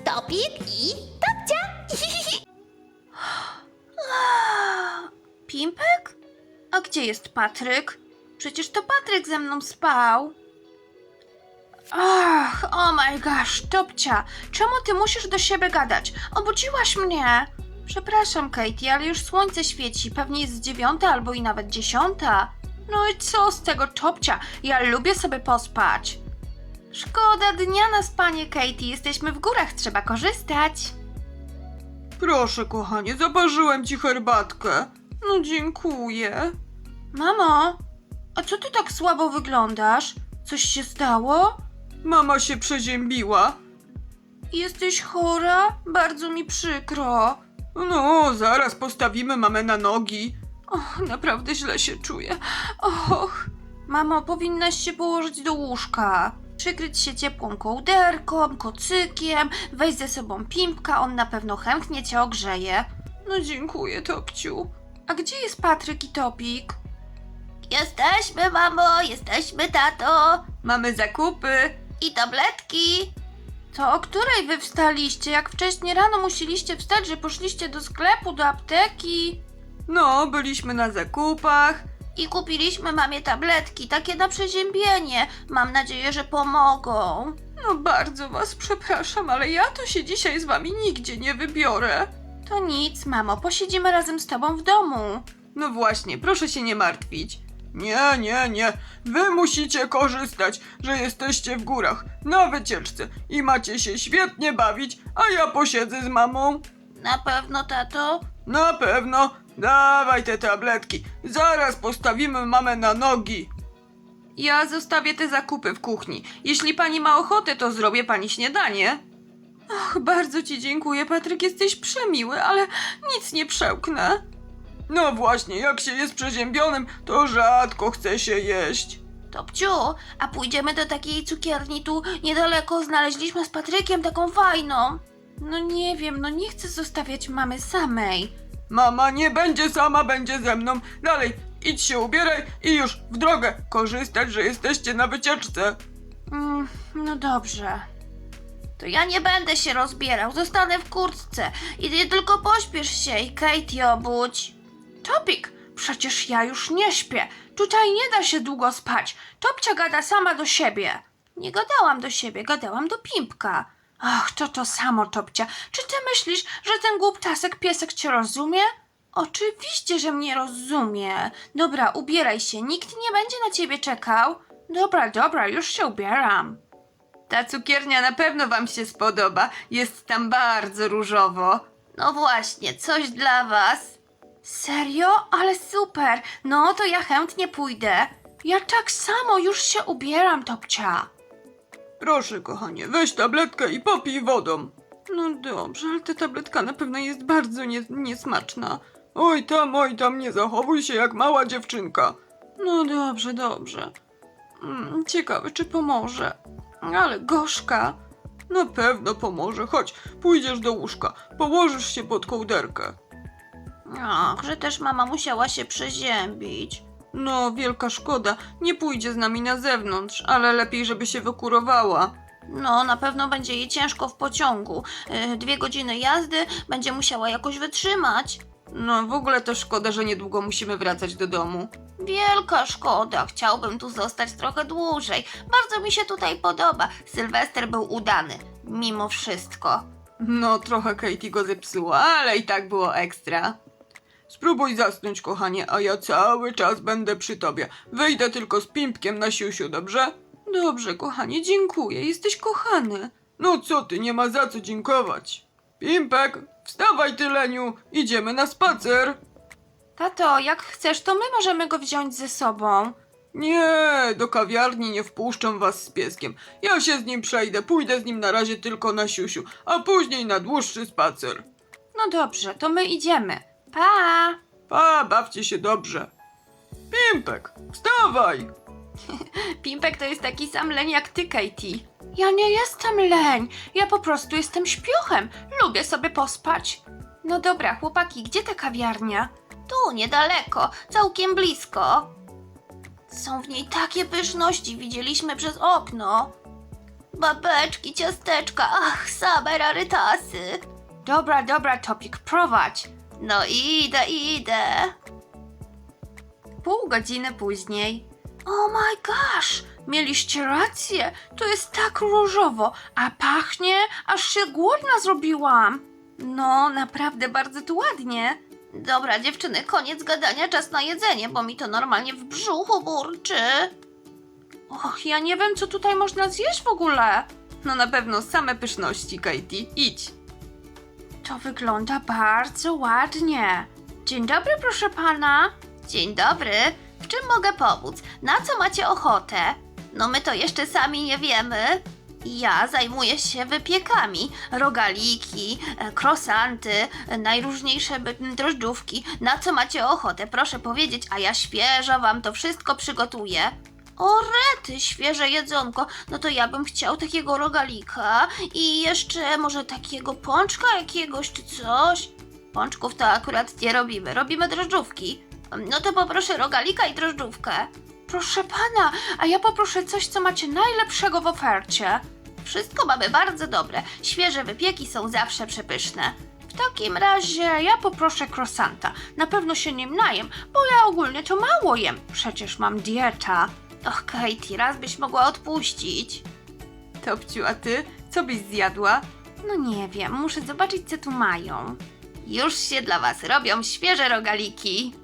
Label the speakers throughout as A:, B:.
A: Topik i Topcia.
B: Pimpek? A gdzie jest Patryk? Przecież to Patryk ze mną spał. Ach, oh my gosh, Topcia, czemu ty musisz do siebie gadać? Obudziłaś mnie. Przepraszam, Katie, ale już słońce świeci, pewnie jest 9 albo i nawet 10. No i co z tego, Topcia? Ja lubię sobie pospać. Szkoda dnia na spanie, Katie, jesteśmy w górach, trzeba korzystać.
C: Proszę, kochanie, zaparzyłem ci herbatkę. No dziękuję.
B: Mamo, a co ty tak słabo wyglądasz? Coś się stało?
C: Mama się przeziębiła.
B: Jesteś chora? Bardzo mi przykro.
C: No, zaraz postawimy mamę na nogi.
B: Och, naprawdę źle się czuję. Och. Mamo, powinnaś się położyć do łóżka. Przykryć się ciepłą kołderką, kocykiem, weź ze sobą Pimpka, on na pewno chętnie cię ogrzeje.
C: No dziękuję, Topciu.
B: A gdzie jest Patryk i Topik?
A: Jesteśmy, mamo, jesteśmy, tato.
C: Mamy zakupy.
A: I tabletki.
B: To o której wy wstaliście? Jak wcześniej rano musieliście wstać, że poszliście do sklepu, do apteki?
C: No, byliśmy na zakupach.
A: I kupiliśmy mamie tabletki, takie na przeziębienie. Mam nadzieję, że pomogą.
C: No bardzo was przepraszam, ale ja to się dzisiaj z wami nigdzie nie wybiorę.
B: To nic, mamo, posiedzimy razem z tobą w domu.
C: No właśnie, proszę się nie martwić. Nie. Wy musicie korzystać, że jesteście w górach, na wycieczce i macie się świetnie bawić, a ja posiedzę z mamą.
A: Na pewno, tato?
C: Na pewno. Dawaj te tabletki. Zaraz postawimy mamę na nogi. Ja zostawię te zakupy w kuchni. Jeśli pani ma ochotę, to zrobię pani śniadanie. Ach, bardzo ci dziękuję, Patryk, jesteś przemiły, ale nic nie przełknę. No właśnie, jak się jest przeziębionym, to rzadko chce się jeść.
A: Topciu, a pójdziemy do takiej cukierni tu niedaleko. Znaleźliśmy z Patrykiem taką fajną.
B: No nie wiem, no nie chcę zostawiać mamy samej.
C: Mama nie będzie sama, będzie ze mną. Dalej, idź się ubieraj i już w drogę. Korzystać, że jesteście na wycieczce.
B: No dobrze.
A: To ja nie będę się rozbierał, zostanę w kurtce. I ty tylko pośpiesz się i Katie obudź.
B: Topik, przecież ja już nie śpię. Tutaj nie da się długo spać. Topcia gada sama do siebie. Nie gadałam do siebie, gadałam do Pimpka. Ach, to samo, Topcia. Czy ty myślisz, że ten głuptasek piesek cię rozumie? Oczywiście, że mnie rozumie. Dobra, ubieraj się, nikt nie będzie na ciebie czekał. Dobra, już się ubieram.
C: Ta cukiernia na pewno wam się spodoba. Jest tam bardzo różowo.
A: No właśnie, coś dla was.
B: Serio? Ale super. No to ja chętnie pójdę. Ja tak samo już się ubieram, Topcia.
C: Proszę, kochanie, weź tabletkę i popij wodą. No dobrze, ale ta tabletka na pewno jest bardzo niesmaczna. Oj tam, nie zachowuj się jak mała dziewczynka. No dobrze. Ciekawe, czy pomoże. Ale gorzka. Na pewno pomoże. Chodź, pójdziesz do łóżka. Położysz się pod kołderkę.
A: Ach, że też mama musiała się przeziębić.
C: No, wielka szkoda. Nie pójdzie z nami na zewnątrz, ale lepiej, żeby się wykurowała.
A: No, na pewno będzie jej ciężko w pociągu. 2 godziny jazdy będzie musiała jakoś wytrzymać.
C: No, w ogóle to szkoda, że niedługo musimy wracać do domu.
A: Wielka szkoda, chciałbym tu zostać trochę dłużej. Bardzo mi się tutaj podoba. Sylwester był udany, mimo wszystko.
C: No, trochę Katie go zepsuła, ale i tak było ekstra. Spróbuj zasnąć, kochanie, a ja cały czas będę przy tobie. Wyjdę tylko z Pimpkiem na siusiu, dobrze? Dobrze, kochanie, dziękuję, jesteś kochany. No co ty, nie ma za co dziękować. Pimpek, wstawaj ty, leniu, idziemy na spacer.
B: Tato, jak chcesz, to my możemy go wziąć ze sobą.
C: Nie, do kawiarni nie wpuszczą was z pieskiem. Ja się z nim przejdę, pójdę z nim na razie tylko na siusiu, a później na dłuższy spacer.
B: No dobrze, to my idziemy. Pa!
C: Pa, bawcie się dobrze. Pimpek, wstawaj!
B: Pimpek to jest taki sam leń jak ty, Katie. Ja nie jestem leń, ja po prostu jestem śpiochem. Lubię sobie pospać. No dobra, chłopaki, gdzie ta kawiarnia?
A: Tu, niedaleko, całkiem blisko. Są w niej takie pyszności, widzieliśmy przez okno. Babeczki, ciasteczka, ach, same rarytasy.
B: Dobra, Topik, prowadź.
A: No idę.
B: Pół godziny później. Oh my gosh, mieliście rację, to jest tak różowo, a pachnie, aż się głodna zrobiłam. No, naprawdę bardzo tu ładnie.
A: Dobra, dziewczyny, koniec gadania, czas na jedzenie, bo mi to normalnie w brzuchu burczy.
B: Och, ja nie wiem, co tutaj można zjeść w ogóle.
C: No na pewno same pyszności, Katie. Idź.
B: To wygląda bardzo ładnie. Dzień dobry, proszę pana.
A: Dzień dobry, w czym mogę pomóc? Na co macie ochotę? No my to jeszcze sami nie wiemy. Ja zajmuję się wypiekami, rogaliki, krosanty, najróżniejsze drożdżówki. Na co macie ochotę? Proszę powiedzieć, a ja świeżo wam to wszystko przygotuję. O rety, świeże jedzonko. No to ja bym chciał takiego rogalika i jeszcze może takiego pączka jakiegoś czy coś. Pączków to akurat nie robimy, robimy drożdżówki. No to poproszę rogalika i drożdżówkę.
B: Proszę pana, a ja poproszę coś, co macie najlepszego w ofercie.
A: Wszystko mamy bardzo dobre. Świeże wypieki są zawsze przepyszne.
B: W takim razie ja poproszę krosanta. Na pewno się nim najem, bo ja ogólnie to mało jem. Przecież mam dieta.
A: Och, Katie, raz byś mogła odpuścić.
C: Topciu, a ty? Co byś zjadła?
B: No nie wiem, muszę zobaczyć, co tu mają.
A: Już się dla was robią świeże rogaliki.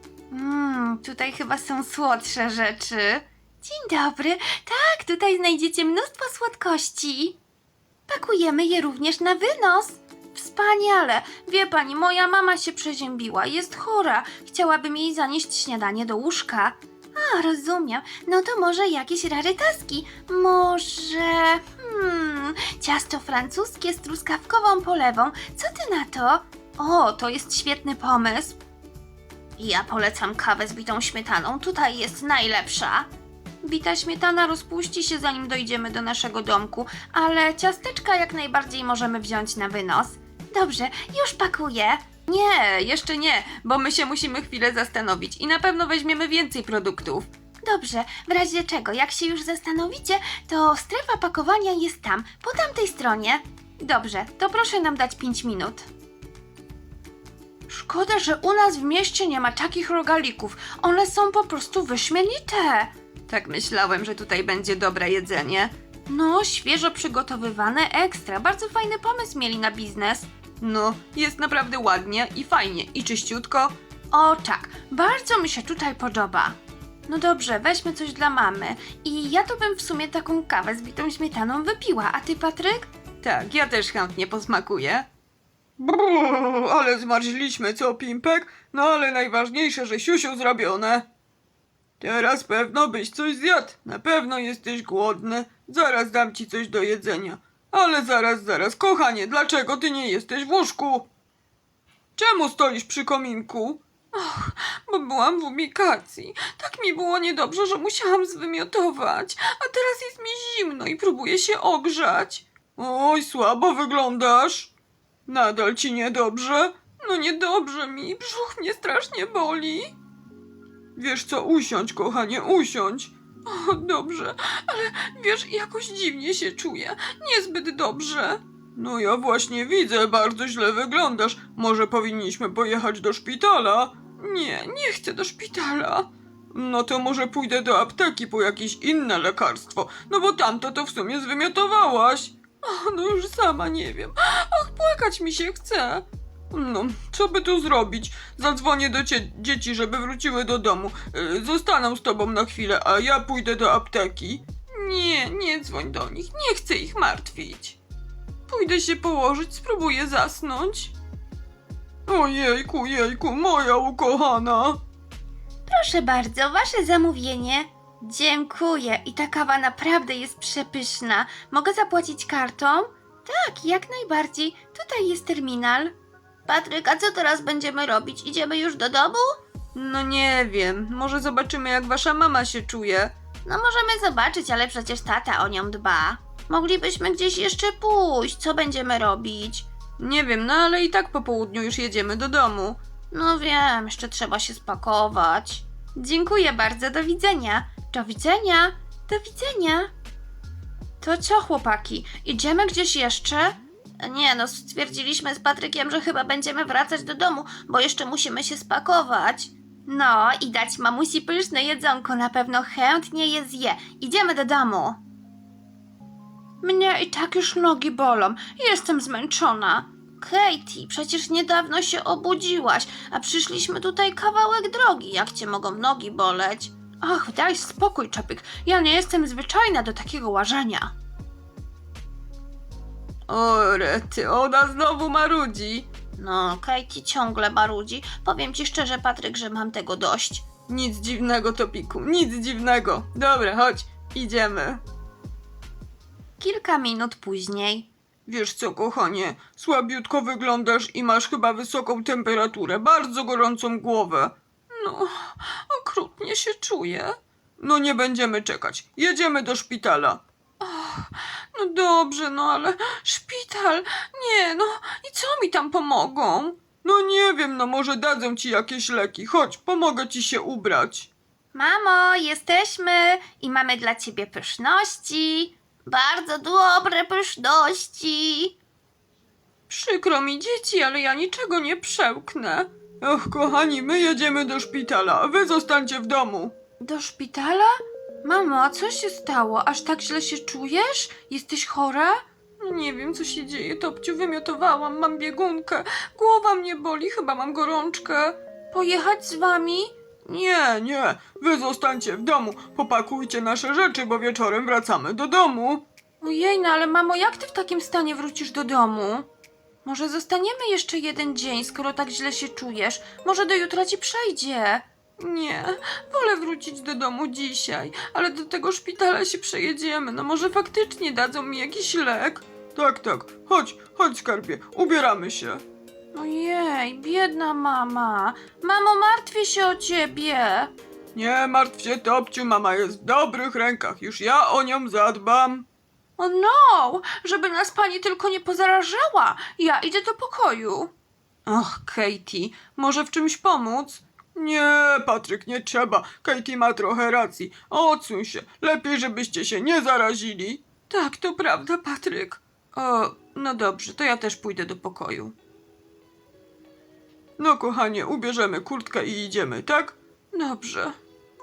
B: Tutaj chyba są słodsze rzeczy. Dzień dobry. Tak, tutaj znajdziecie mnóstwo słodkości. Pakujemy je również na wynos. Wspaniale. Wie pani, moja mama się przeziębiła, jest chora. Chciałabym jej zanieść śniadanie do łóżka. A, rozumiem. No to może jakieś rarytaski. Może... ciasto francuskie z truskawkową polewą. Co ty na to? O, to jest świetny pomysł.
A: Ja polecam kawę z bitą śmietaną, tutaj jest najlepsza.
B: Bita śmietana rozpuści się, zanim dojdziemy do naszego domku, ale ciasteczka jak najbardziej możemy wziąć na wynos.
A: Dobrze, już pakuję.
C: Nie, jeszcze nie, bo my się musimy chwilę zastanowić i na pewno weźmiemy więcej produktów.
A: Dobrze, w razie czego, jak się już zastanowicie, to strefa pakowania jest tam, po tamtej stronie.
B: Dobrze, to proszę nam dać 5 minut. Szkoda, że u nas w mieście nie ma takich rogalików. One są po prostu wyśmienite.
C: Tak myślałem, że tutaj będzie dobre jedzenie.
B: No, świeżo przygotowywane ekstra. Bardzo fajny pomysł mieli na biznes.
C: No, jest naprawdę ładnie i fajnie i czyściutko.
B: O tak, bardzo mi się tutaj podoba. No dobrze, weźmy coś dla mamy. I ja to bym w sumie taką kawę z bitą śmietaną wypiła. A ty, Patryk?
C: Tak, ja też chętnie posmakuję. Brrr, ale zmarzliśmy, co, Pimpek? No ale najważniejsze, że siusiu zrobione. Teraz pewno byś coś zjadł. Na pewno jesteś głodny. Zaraz dam ci coś do jedzenia. Ale zaraz, kochanie, dlaczego ty nie jesteś w łóżku? Czemu stoisz przy kominku? Och, bo byłam w ubikacji. Tak mi było niedobrze, że musiałam zwymiotować. A teraz jest mi zimno i próbuję się ogrzać. Oj, słabo wyglądasz. Nadal ci niedobrze? No niedobrze mi, brzuch mnie strasznie boli. Wiesz co, usiądź, kochanie, usiądź. O, dobrze, ale wiesz, jakoś dziwnie się czuję, niezbyt dobrze. No ja właśnie widzę, bardzo źle wyglądasz. Może powinniśmy pojechać do szpitala? Nie chcę do szpitala. No to może pójdę do apteki po jakieś inne lekarstwo, no bo tamto to w sumie zwymiotowałaś. O, no już sama nie wiem. Ach, płakać mi się chce. No, co by tu zrobić? Zadzwonię do dzieci, żeby wróciły do domu. Zostaną z tobą na chwilę, a ja pójdę do apteki. Nie dzwoń do nich, nie chcę ich martwić. Pójdę się położyć, spróbuję zasnąć. Jejku, moja ukochana.
A: Proszę bardzo, wasze zamówienie. Dziękuję i ta kawa naprawdę jest przepyszna. Mogę zapłacić kartą? Tak, jak najbardziej. Tutaj jest terminal. Patryk, a co teraz będziemy robić? Idziemy już do domu?
C: No nie wiem, może zobaczymy jak wasza mama się czuje.
A: No możemy zobaczyć, ale przecież tata o nią dba. Moglibyśmy gdzieś jeszcze pójść. Co będziemy robić?
C: Nie wiem, no ale i tak po południu już jedziemy do domu.
A: No wiem, jeszcze trzeba się spakować.
B: Dziękuję bardzo, do widzenia. Do widzenia. Do widzenia. To co, chłopaki? Idziemy gdzieś jeszcze?
A: Nie no, stwierdziliśmy z Patrykiem, że chyba będziemy wracać do domu, bo jeszcze musimy się spakować. No i dać mamusi pyszne jedzonko, na pewno chętnie je zje. Idziemy do domu.
B: Mnie i tak już nogi bolą. Jestem zmęczona.
A: Katie, przecież niedawno się obudziłaś, a przyszliśmy tutaj kawałek drogi. Jak cię mogą nogi boleć?
B: Ach, daj spokój, Czopik. Ja nie jestem zwyczajna do takiego łażenia.
C: O rety, ona znowu marudzi.
A: No, Katie ciągle marudzi. Powiem ci szczerze, Patryk, że mam tego dość.
C: Nic dziwnego, Topiku, nic dziwnego. Dobra, chodź, idziemy.
A: Kilka minut później.
C: Wiesz co, kochanie, słabiutko wyglądasz i masz chyba wysoką temperaturę, bardzo gorącą głowę. No, okrutnie się czuję. No nie będziemy czekać, jedziemy do szpitala. No dobrze, no ale szpital, nie, no i co mi tam pomogą? No nie wiem, no może dadzą ci jakieś leki, chodź, pomogę ci się ubrać.
A: Mamo, jesteśmy i mamy dla ciebie pyszności. Bardzo dobre pyszności.
C: Przykro mi, dzieci, ale ja niczego nie przełknę. Och, kochani, my jedziemy do szpitala, a wy zostańcie w domu.
B: Do szpitala? Mamo, a co się stało? Aż tak źle się czujesz? Jesteś chora?
C: No nie wiem, co się dzieje, Topciu, wymiotowałam, mam biegunkę, głowa mnie boli, chyba mam gorączkę.
B: Pojechać z wami?
C: Nie, wy zostańcie w domu, popakujcie nasze rzeczy, bo wieczorem wracamy do domu.
B: Ojej, no ale mamo, jak ty w takim stanie wrócisz do domu? Może zostaniemy jeszcze jeden dzień, skoro tak źle się czujesz? Może do jutra ci przejdzie.
C: Nie, wolę wrócić do domu dzisiaj, ale do tego szpitala się przejedziemy, no może faktycznie dadzą mi jakiś lek. Tak, chodź skarbie, ubieramy się.
B: Ojej, biedna mama. Mamo, martwię się o ciebie.
C: Nie martw się, Topciu, mama jest w dobrych rękach, już ja o nią zadbam.
B: O no, żeby nas pani tylko nie pozarażała. Ja idę do pokoju.
C: Och, Katie, może w czymś pomóc? Nie, Patryk, nie trzeba. Katie ma trochę racji. Odsuń się. Lepiej, żebyście się nie zarazili. Tak, to prawda, Patryk. O, no dobrze, to ja też pójdę do pokoju. No, kochanie, ubierzemy kurtkę i idziemy, tak? Dobrze.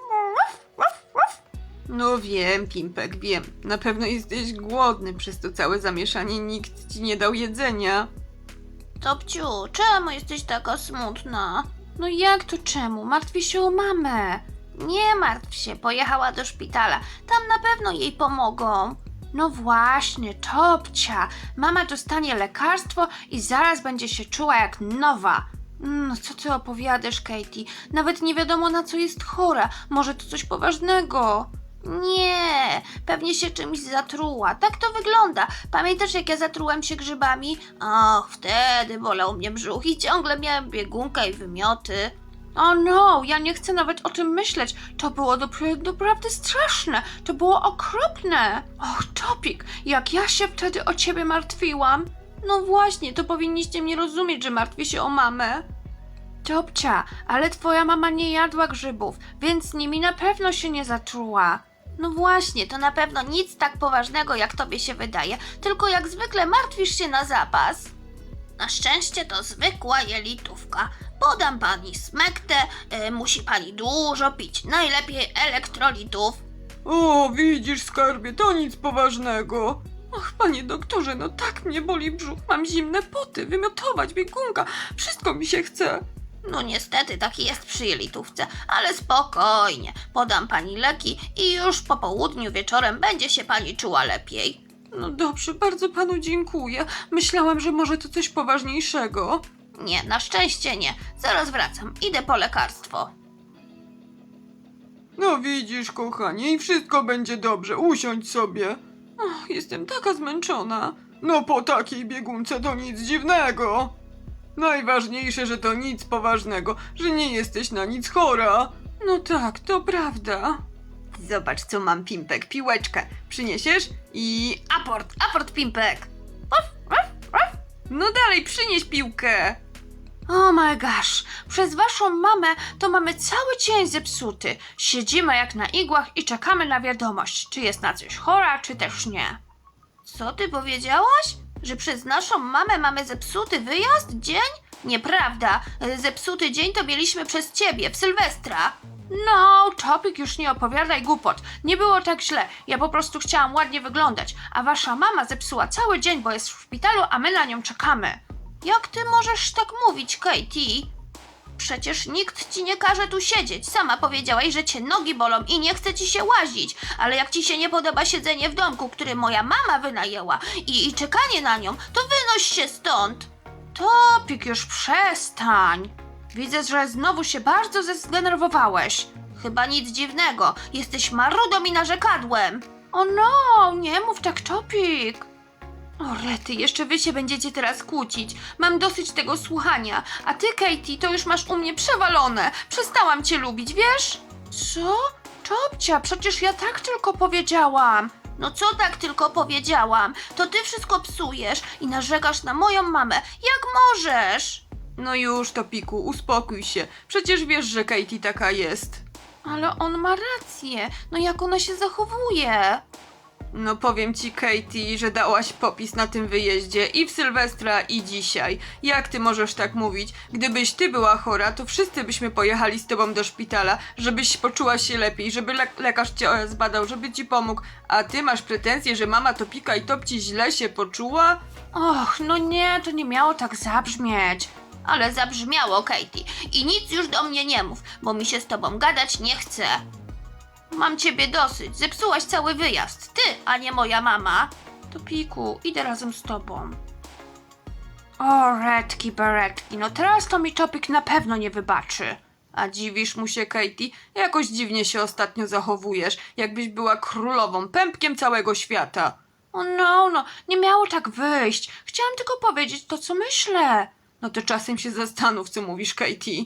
C: No wiem, Pimpek, wiem. Na pewno jesteś głodny, przez to całe zamieszanie nikt ci nie dał jedzenia.
A: Topciu, czemu jesteś taka smutna?
B: No jak to czemu? Martwię się o mamę.
A: Nie martw się, pojechała do szpitala. Tam na pewno jej pomogą.
B: No właśnie, Topcia. Mama dostanie lekarstwo i zaraz będzie się czuła jak nowa. Co ty opowiadasz, Katie? Nawet nie wiadomo, na co jest chora. Może to coś poważnego.
A: Nie, pewnie się czymś zatruła. Tak to wygląda. Pamiętasz, jak ja zatrułem się grzybami? Och, wtedy bolał mnie brzuch i ciągle miałem biegunkę i wymioty.
B: O no, ja nie chcę nawet o tym myśleć. To było doprawdy straszne. To było okropne. Och, Topik, jak ja się wtedy o ciebie martwiłam. No właśnie, to powinniście mnie rozumieć, że martwię się o mamę. Topcia, ale twoja mama nie jadła grzybów, więc nimi na pewno się nie zatruła.
A: No właśnie, to na pewno nic tak poważnego, jak tobie się wydaje, tylko jak zwykle martwisz się na zapas. Na szczęście to zwykła jelitówka. Podam pani smektę, musi pani dużo pić, najlepiej elektrolitów.
C: O, widzisz, skarbie, to nic poważnego. Och, panie doktorze, no tak mnie boli brzuch, mam zimne poty, wymiotować, biegunka, wszystko mi się chce.
A: No niestety taki jest przy jelitówce, ale spokojnie, podam pani leki i już po południu wieczorem będzie się pani czuła lepiej.
C: No dobrze, bardzo panu dziękuję. Myślałam, że może to coś poważniejszego.
A: Nie, na szczęście nie. Zaraz wracam, idę po lekarstwo.
C: No widzisz, kochanie, i wszystko będzie dobrze, usiądź sobie. Och, jestem taka zmęczona. No po takiej biegunce to nic dziwnego. Najważniejsze, że to nic poważnego, że nie jesteś na nic chora. No tak, to prawda. Zobacz, co mam, Pimpek, piłeczkę. Przyniesiesz? I
A: Aport, Pimpek.
C: no dalej, przynieś piłkę.
B: Oh my gosh, przez waszą mamę to mamy cały dzień zepsuty. Siedzimy jak na igłach i czekamy na wiadomość, czy jest na coś chora, czy też nie.
A: Co ty powiedziałaś? Że przez naszą mamę mamy zepsuty wyjazd? Dzień? Nieprawda. Zepsuty dzień to mieliśmy przez ciebie w Sylwestra.
B: No, Topik, już nie opowiadaj głupot. Nie było tak źle. Ja po prostu chciałam ładnie wyglądać, a wasza mama zepsuła cały dzień, bo jest w szpitalu, a my na nią czekamy.
A: Jak ty możesz tak mówić, Katie? Przecież nikt ci nie każe tu siedzieć. Sama powiedziałaś, że cię nogi bolą i nie chce ci się łazić. Ale jak ci się nie podoba siedzenie w domku, który moja mama wynajęła i czekanie na nią, to wynoś się stąd.
B: Topik, już przestań. Widzę, że znowu się bardzo zdenerwowałeś.
A: Chyba nic dziwnego. Jesteś marudą i narzekadłem.
B: O no, nie mów tak, Topik. O rety, jeszcze wy się będziecie teraz kłócić. Mam dosyć tego słuchania. A ty, Katie, to już masz u mnie przewalone. Przestałam cię lubić, wiesz? Co? Topcia, przecież ja tak tylko powiedziałam.
A: No co tak tylko powiedziałam? To ty wszystko psujesz i narzekasz na moją mamę. Jak możesz?
C: No już, Topiku, uspokój się. Przecież wiesz, że Katie taka jest.
B: Ale on ma rację. No jak ona się zachowuje?
C: No powiem ci, Katie, że dałaś popis na tym wyjeździe i w Sylwestra i dzisiaj. Jak ty możesz tak mówić? Gdybyś ty była chora, to wszyscy byśmy pojechali z tobą do szpitala, żebyś poczuła się lepiej, żeby lekarz cię zbadał, żeby ci pomógł. A ty masz pretensje, że mama Topika i Topci źle się poczuła?
B: Och, no nie, to nie miało tak zabrzmieć.
A: Ale zabrzmiało, Katie. I nic już do mnie nie mów, bo mi się z tobą gadać nie chce. Mam ciebie dosyć. Zepsułaś cały wyjazd. Ty, a nie moja mama.
B: Topiku, idę razem z tobą. O, redki beretki, no teraz to mi Topik na pewno nie wybaczy.
C: A dziwisz mu się, Katie? Jakoś dziwnie się ostatnio zachowujesz, jakbyś była królową, pępkiem całego świata.
B: O no, nie miało tak wyjść. Chciałam tylko powiedzieć to, co myślę.
C: No to czasem się zastanów, co mówisz, Katie.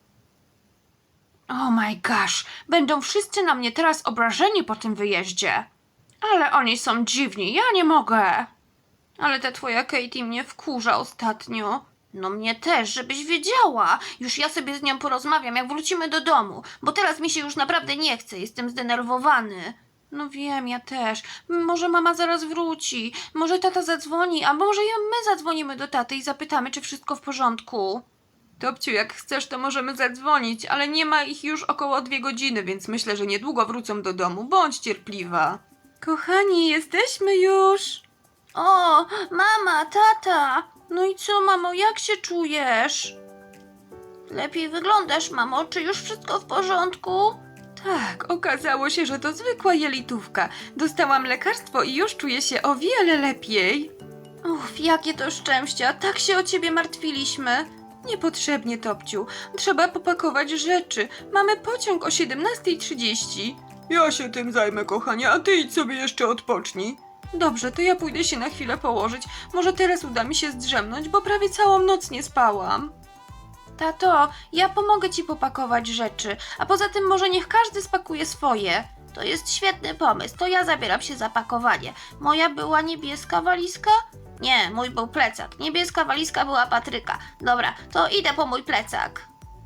B: Oh my gosh, będą wszyscy na mnie teraz obrażeni po tym wyjeździe. Ale oni są dziwni, ja nie mogę.
A: Ale ta twoja Katie mnie wkurza ostatnio. No mnie też, żebyś wiedziała. Już ja sobie z nią porozmawiam, jak wrócimy do domu. Bo teraz mi się już naprawdę nie chce, jestem zdenerwowany.
B: No wiem, ja też. Może mama zaraz wróci, może tata zadzwoni, a może my zadzwonimy do taty i zapytamy, czy wszystko w porządku.
C: Topciu, jak chcesz, to możemy zadzwonić, ale nie ma ich już około 2 godziny, więc myślę, że niedługo wrócą do domu. Bądź cierpliwa.
B: Kochani, jesteśmy już.
A: O, mama, tata.
B: No i co, mamo, jak się czujesz?
A: Lepiej wyglądasz, mamo. Czy już wszystko w porządku?
C: Tak, okazało się, że to zwykła jelitówka. Dostałam lekarstwo i już czuję się o wiele lepiej.
A: Uff, jakie to szczęście, a tak się o ciebie martwiliśmy.
C: Niepotrzebnie, Topciu. Trzeba popakować rzeczy. Mamy pociąg o 17:30. Ja się tym zajmę, kochanie, a ty idź sobie jeszcze odpocznij. Dobrze, to ja pójdę się na chwilę położyć. Może teraz uda mi się zdrzemnąć, bo prawie całą noc nie spałam.
B: Tato, ja pomogę ci popakować rzeczy, a poza tym może niech każdy spakuje swoje.
A: To jest świetny pomysł, to ja zabieram się za pakowanie. Moja była niebieska walizka? Nie, mój był plecak. Niebieska walizka była Patryka. Dobra, to idę po mój plecak.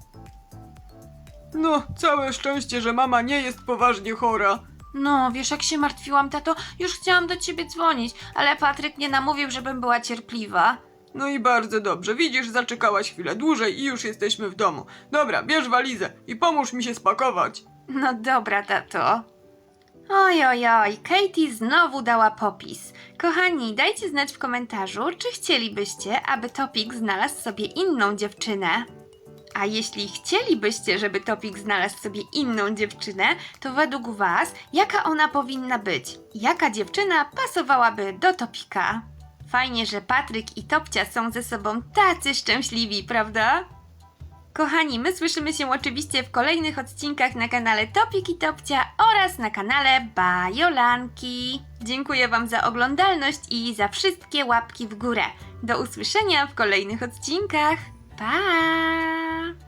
C: No, całe szczęście, że mama nie jest poważnie chora.
B: No, wiesz jak się martwiłam, tato? Już chciałam do ciebie dzwonić, ale Patryk mnie namówił, żebym była cierpliwa.
C: No i bardzo dobrze. Widzisz, zaczekałaś chwilę dłużej i już jesteśmy w domu. Dobra, bierz walizę i pomóż mi się spakować.
B: No dobra, tato. Oj, Katie znowu dała popis. Kochani, dajcie znać w komentarzu, czy chcielibyście, aby Topik znalazł sobie inną dziewczynę. A jeśli chcielibyście, żeby Topik znalazł sobie inną dziewczynę, to według was, jaka ona powinna być? Jaka dziewczyna pasowałaby do Topika? Fajnie, że Patryk i Topcia są ze sobą tacy szczęśliwi, prawda? Kochani, my słyszymy się oczywiście w kolejnych odcinkach na kanale Topik i Topcia oraz na kanale Bajolanki. Dziękuję wam za oglądalność i za wszystkie łapki w górę. Do usłyszenia w kolejnych odcinkach. Pa!